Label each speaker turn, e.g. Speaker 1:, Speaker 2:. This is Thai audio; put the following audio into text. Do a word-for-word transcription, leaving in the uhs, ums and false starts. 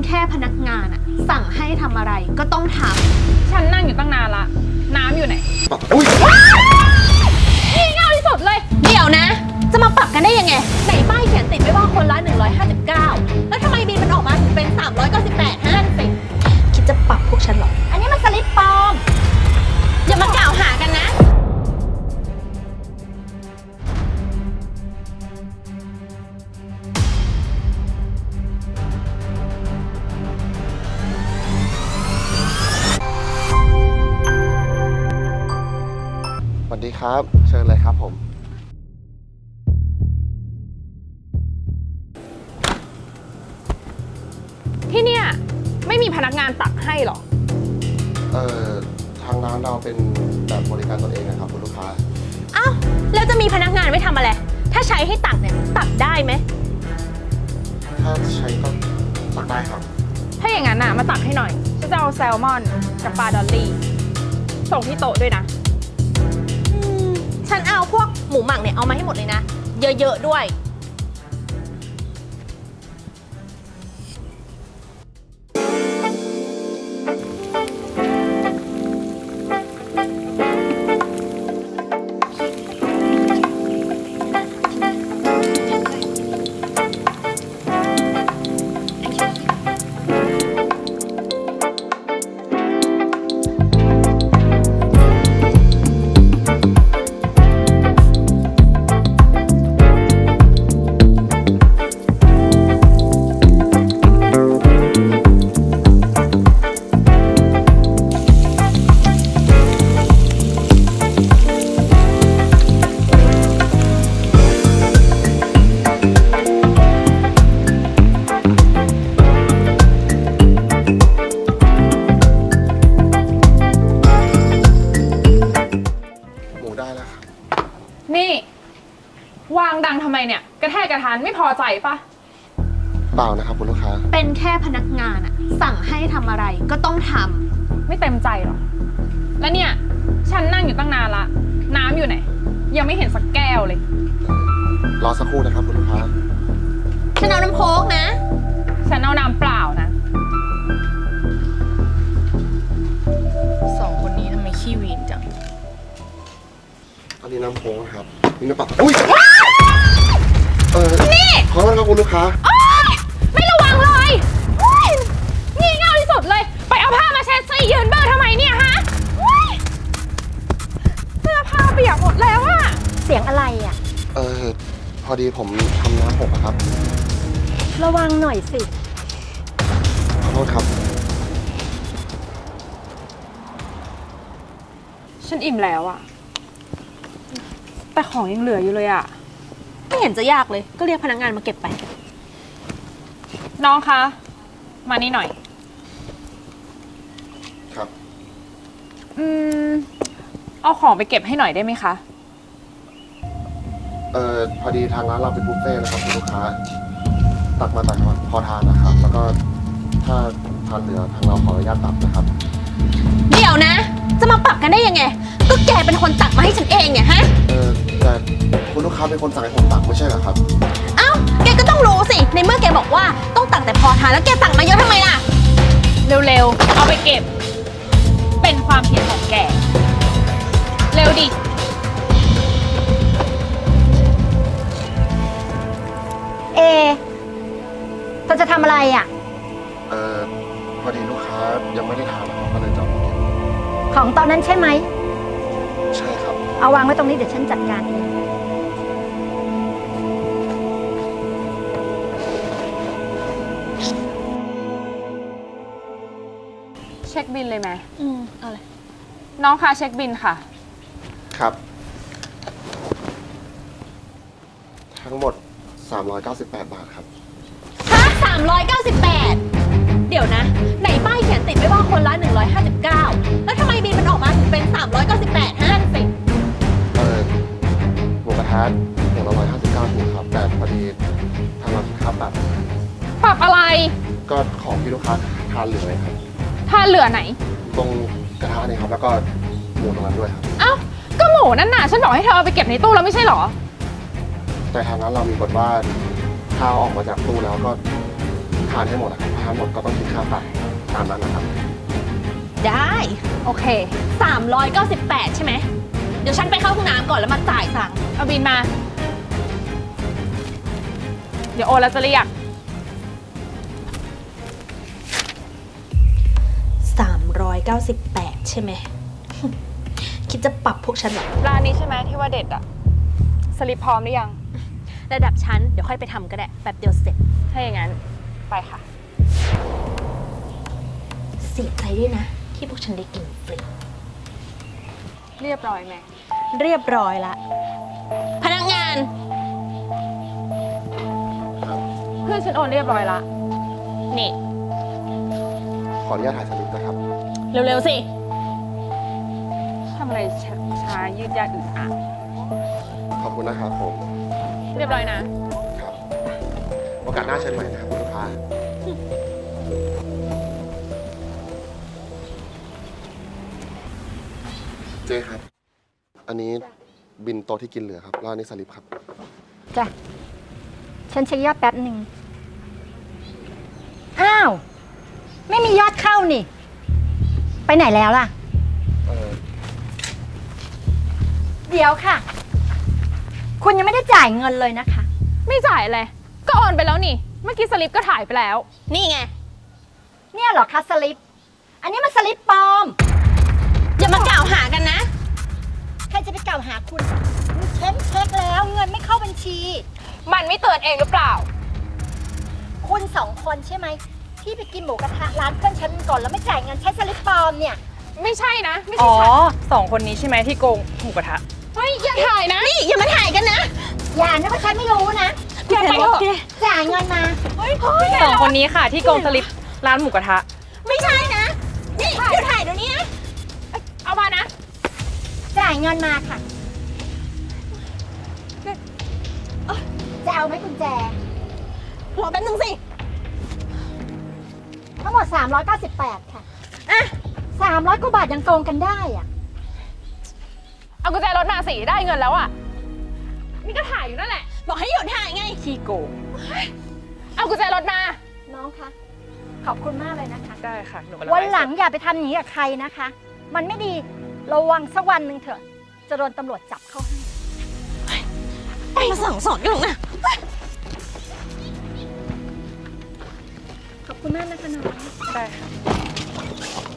Speaker 1: แค่พนักงานอะสั่งให้ทำอะไรก็ต้องท
Speaker 2: ำฉันนั่งอยู่ตั้งนานละน้ำอยู่ไหน
Speaker 3: อุ้ย
Speaker 2: นี่เง่าที่สุดเลย
Speaker 1: เดี๋ยวนะจะมาปรับกันได้ยังไงไหนป้ายเขียนติดไว้ว่าคนละหนึ่งร้อยห้าสิบเก้าแล้วทำไมบินมันออกมาถึงเป็นสามร้อยเก้าสิบแปดฮะสิคิดจะปรับพวกฉันเหรออันนี้มันสลิปปลอมอย่ามากล่าวหากันนะ
Speaker 3: สวัสดีครับเชิญเลยครับผม
Speaker 2: ที่เนี่ยไม่มีพนักงานตักให้หรอ
Speaker 3: เอ่อทางร้านเราเป็นแบบบริการตนเองนะครับคุณลูกค้า
Speaker 1: อ้าวแล้วจะมีพนักงานไว้ทำอะไรถ้าใช้ให้ตักเนี่ยตักได้ไหม
Speaker 3: ถ้าใช้ก็ตักได้ครับ
Speaker 2: ถ้าอย่างนั้นน่ะมาตักให้หน่อยฉันจะเอาแซลมอนกับปลาดอลลี่ส่งที่โต๊ะด้วยนะ
Speaker 1: ฉันเอาพวกหมูหมักเนี่ยเอามาให้หมดเลยนะเยอะๆด้วย
Speaker 2: นี่วางดังทำไมเนี่ยกระแทกกระทานไม่พอใจปะ
Speaker 3: เปล่านะครับคุณลูกค้า
Speaker 1: เป็นแค่พนักงานอะสั่งให้ทำอะไรก็ต้องท
Speaker 2: ำไม่เต็มใจหรอแล้วเนี่ยฉันนั่งอยู่ตั้งนานละน้ำอยู่ไหนยังไม่เห็นสักแก้วเลย
Speaker 3: รอสักครู่นะครับคุณลูกค้า
Speaker 1: ฉันเอาน้ำโค้กนะ
Speaker 2: ฉันเอาน้ำเปล่านะสองคนนี้ทำไมขี้วีนจัง
Speaker 3: อันนี้น้ำโค้งครับนี่น้ำเปล่าอุ้ยเออ
Speaker 1: นี่
Speaker 3: ขอโทษครับคุณลูกค้า
Speaker 1: ไม่ระวังเลย
Speaker 2: งี่เง่าที่สุดเลยไปเอาผ้ามาเช็ดสิยืนเบอร์ทำไมเนี่ยฮะเสื้อผ้าเปียกหมดแล้วอะ
Speaker 1: เสียงอะไรอะ
Speaker 3: เออพอดีผมทำน้ำหกครับ
Speaker 1: ระวังหน่อยสิ
Speaker 3: ขอโทษครับ
Speaker 2: ฉันอิ่มแล้วอะแต่ของยังเหลืออยู่เลยอะ
Speaker 1: ไม่เห็นจะยากเลยก็เรียกพนักงานมาเก็บไป
Speaker 2: น้องคะมานี่หน่อย
Speaker 3: ครับ
Speaker 2: อืมเอาของไปเก็บให้หน่อยได้ไหมคะ
Speaker 3: เอ่อพอดีทางร้านเราเป็นบุฟเฟ่ต์นะครับคุณลูกค้าตักมาตักมาพอทานนะครับแล้วก็ถ้าทานเหลือทางเราขออนุญาตตักนะครับ
Speaker 1: เดี๋ยวนะจะมาปรับกันได้ยังไงก็แกเป็นคนตักมาให้ฉันเองเนี่ยฮะ
Speaker 3: เออแต่คุณลูกค้าเป็นคนสั่งให้ผมตักไม่ใช่เหรอครับ
Speaker 1: เอ้าแกก็ต้องรู้สิในเมื่อแกบอกว่าต้องตักแต่พอทานแล้วแกตักมาเยอะทำไมล่ะ
Speaker 2: เร็วๆเอาไปเก็บเป็นความผิดของแกเร็วดิ
Speaker 1: เอเธอจะทำอะไรอ่ะ
Speaker 3: เออพอดีลูกค้ายังไม่ได้ทานนะครับก็เลยจะมาเก็บ
Speaker 1: ของตอนนั้นใช่ไหม
Speaker 3: ใช่ครับ
Speaker 1: เอาวางไว้ตรงนี้เดี๋ยวฉันจัดการเอง
Speaker 2: เช็คบิลเลยไหม
Speaker 1: อืมเอาเลย
Speaker 2: น้องคะเช็คบิลค่ะ
Speaker 3: ครับทั้งหมดสามร้อยเก้าสิบแปดบาทครับ
Speaker 1: ฮะสามร้อยเก้าสิบแปดเดี๋ยวนะไหนป้ายเขียนติดไว้ว่าคนละหนึ่งร้อยห้าสิบเก้าแล้วทำไมบินมันออกมาถึงเป็นสามร้อยเก้าสิบแปดฮะสิ
Speaker 3: เออหมูกระทะอย่างละร้อยห้าสิบเก้าถูกครับแต่พอดีทางเราคิดค่าปรับ
Speaker 2: ปรับอะไร
Speaker 3: ก็ของที่ลูกค้าทานเหลือครับ
Speaker 2: ทานเหลือไหน
Speaker 3: ตรงกระทะนี่ครับแล้วก็หมูตรงนั้นด้วยครับ
Speaker 2: เอ้าก็หมูนั่นน่ะฉันบอกให้เธอเอาไปเก็บในตู้แล้วไม่ใช่หรอ
Speaker 3: แต่ทางนั้นเรามีกฎว่าถ้าออกมาจากตู้แล้วก็ทานให้หมดนะครับห้าหมดก็ต้องคิดค่าปรับตามนั้นนะครับ
Speaker 1: ได้
Speaker 2: โอเค
Speaker 1: สามร้อยเก้าสิบแปดใช่ไหม เดี๋ยวฉันไปเข้าห้องน้ำก่อนแล้วมาจ่ายตังค์
Speaker 2: เอาบินมา เดี๋ยวโอนแล้วจะเรียก
Speaker 1: สามร้อยเก้าสิบแปดใช่ไหม คิดจะปรับพวกฉันเหรอ
Speaker 2: ร้านนี้ใช่ไหมที่ว่าเด็ดอะสลิปพร้อมหรือยัง
Speaker 1: ระดับฉันเดี๋ยวค่อยไปทำก็ได้แป๊บเดียวเสร็จ
Speaker 2: ถ้าอย่างนั้น ไปค่ะ
Speaker 1: เสียใจด้วยนะ ที่พวกฉันได้กินฟรี
Speaker 2: เรียบร้อยไหม
Speaker 1: เรียบร้อยละ พนักงาน
Speaker 3: ครับ
Speaker 2: เพื่อนฉันโอนเรียบร้อยละ
Speaker 1: นี่
Speaker 3: ขออนุญาตถ่ายสลิปนะครับ
Speaker 1: เร็วๆสิ
Speaker 2: ทำอะไรช้าช้ายืดยาดอึดอัด
Speaker 3: ขอบคุณนะครับผม
Speaker 2: เรียบร้อยนะ
Speaker 3: ครับ โอกาสหน้าเชิญใหม่นะครับคุณลูกค้า เจ๊ครับ อันนี้บินโต๊ะที่กินเหลือครับแล้วอันนี้สลิปครับ
Speaker 4: จ้ะ ฉันเช็คยอดแป๊บหนึ่ง อ้าว ไม่มียอดเข้านี่ ไปไหนแล้วล่ะ
Speaker 3: เออ
Speaker 4: เดี๋ยวค่ะ คุณยังไม่ได้จ่ายเงินเลยนะคะ
Speaker 2: ไม่จ่ายเลย ก็โอนไปแล้วนี่ เมื่อกี้สลิปก็ถ่ายไปแล้ว
Speaker 1: นี่ไง
Speaker 4: เนี่ยเหรอคะสลิป อันนี้มันสลิปปลอม
Speaker 1: อย่ามากล่าวหากันนะ
Speaker 4: ใครจะไปกล่าวหาคุณฉันเช็คแล้วเงินไม่เข้าบัญชี
Speaker 2: มันไม่เตือนเองหรือเปล่า
Speaker 4: คุณสองคนใช่ไหม ที่ไปกินหมูกระทะร้านเพื่อนฉันก่อนแล้วไม่จ่ายเงินใช้สลิปปลอมเนี่ย
Speaker 2: ไม่ใช่นะ ไม่
Speaker 5: อ๋
Speaker 2: ใช่
Speaker 5: อ
Speaker 2: ค่ะ
Speaker 5: สองคนนี้ใช่ไหมที่โกงหมูกระทะ
Speaker 2: เฮ้ย อย่าถ่ายนะ
Speaker 1: นี่อย่ามาถ่ายกันนะ
Speaker 4: อย่านะว่าฉันไม่รู้นะ
Speaker 2: แกไปเถอะ
Speaker 4: จ่ายเงินมา
Speaker 2: เฮ้ยเฮ้ย
Speaker 5: สองคนนี้ค่ะที่โกงสลิปร้านหมูกระทะ
Speaker 1: ไม่ใช่นะ นี่เดี๋ยวถ่ายเดี๋ยวนี้นะ
Speaker 2: เอามานะ
Speaker 4: จ่ายเงินมาค่ะ จะเอาไหมกุญแจ
Speaker 1: รอแป๊บนึงสิ
Speaker 4: ทั้งหมด สามร้อยเก้าสิบแปด ค่ะ
Speaker 1: อ่ะ
Speaker 4: สามร้อยกว่าบาทยังโกงกันได้อะ
Speaker 2: เอากุญแจรถมาสิได้เงินแล้วอ่ะ นี่ก็ถ่ายอยู่นั่นแหละ
Speaker 1: บอกให้หยุดถ่ายไง
Speaker 5: ที่โกง
Speaker 2: เอากุญแจรถมา
Speaker 4: น้องคะ ขอบคุณมากเลยนะคะ
Speaker 5: ได้ค่ะหนูกำลัง
Speaker 4: วันหลัง
Speaker 5: ไฟ์สด
Speaker 4: อย่าไปทำอย่างนี้กับใครนะคะ มันไม่ดี ระวังสักวันหนึ่งเถอะ จะโดนตำรวจจับเข้าให้
Speaker 1: มาสั่งสอนกันหรอกนะ
Speaker 4: ขอบคุณมากนะคะน้อง
Speaker 5: ได้ค่ะ